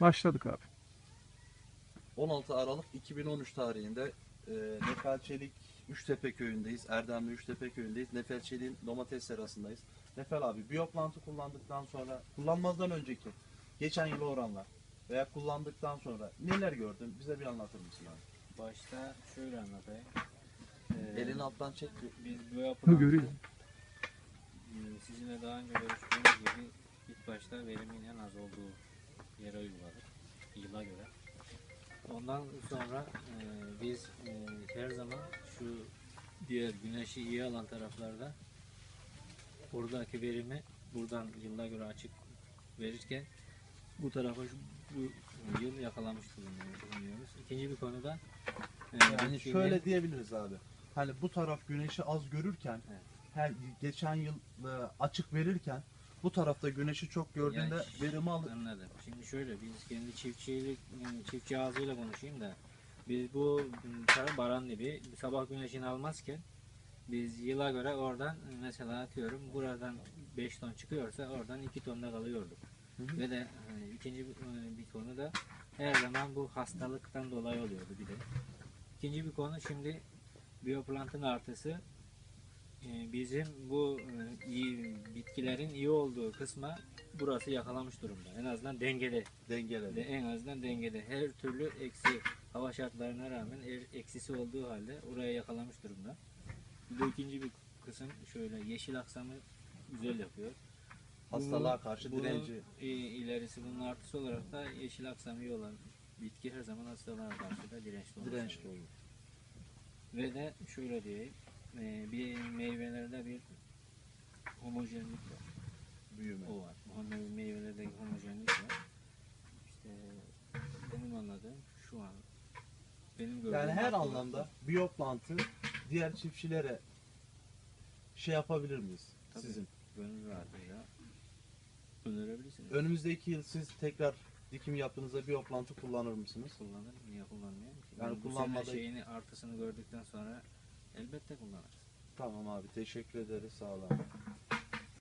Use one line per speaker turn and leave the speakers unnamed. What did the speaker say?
Başladık abi.
16 Aralık 2013 tarihinde Nefer Çelik Üçtepe köyündeyiz. Erdemli Üçtepe köyündeyiz. Nefer Çelik'in domates serasındayız. Nefer abi, biyoplantı kullandıktan sonra, kullanmazdan önceki geçen yıl oranla veya kullandıktan sonra neler gördün? Bize bir anlatır mısın abi?
Başta şöyle anlatayım.
Elini alttan çek.
Biz bu
Ha,
yapılan
görüyor.
sizinle daha önce görüştüğümüz gibi ilk başta verimin en az olduğu yere uyguladık. Yıla göre. Ondan sonra biz her zaman şu diğer güneşi iyi alan taraflarda buradaki verimi buradan yıla göre açık verirken bu tarafa bu yıl yakalamış bulunuyoruz. İkinci bir konuda
Yani şöyle diyebiliriz abi. Hani bu taraf güneşi az görürken,
Evet.
her geçen yıl açık verirken bu tarafta güneşi çok gördüğünde
Yani
verimi alır.
anladım. Şimdi şöyle biz kendi çiftçi ağzıyla konuşayım da biz bu baran gibi sabah güneşini almazken biz yıla göre oradan mesela atıyorum buradan 5 ton çıkıyorsa oradan 2 tonda kalıyorduk.
Hı hı.
Ve de ikinci bir konu da her zaman bu hastalıktan dolayı oluyordu bir de. İkinci bir konu şimdi biyoplantın artısı bizim bu iyi bitkilerin iyi olduğu kısma burası yakalamış durumda. En azından dengede.
Dengeleri.
En azından dengede. Her türlü eksi hava şartlarına rağmen eksisi olduğu halde oraya yakalamış durumda. Bu ikinci bir kısım şöyle yeşil aksamı güzel yapıyor.
Hastalığa karşı
Bunun
direnci.
ilerisi bunun artısı olarak da yeşil aksamı iyi olan bitki her zaman hastalığa karşı da dirençli olur.
Dirençli olur.
Ve de şöyle diyeyim, bir meyvelerde bir homojenlik var.
Büyüme.
O var. Bu meyvelerde homojenlik var. İşte benim anladığım şu an. Benim gördüğüm
Yani her
haklı
anlamda
olarak-
biyoplantı diğer çiftçilere şey yapabilir miyiz?
Tabii.
Sizin.
Gönül rahatlığıyla önerebilirsiniz.
Önümüzdeki yıl siz tekrar dikim yaptığınızda biyoplantı kullanır mısınız?
Kullanır, niye kullanmayayım ki?
Yani
Bu
kullanmada-
sene şeyini artısını gördükten sonra elbette kullanırız.
Tamam abi, teşekkür ederiz, sağ olun.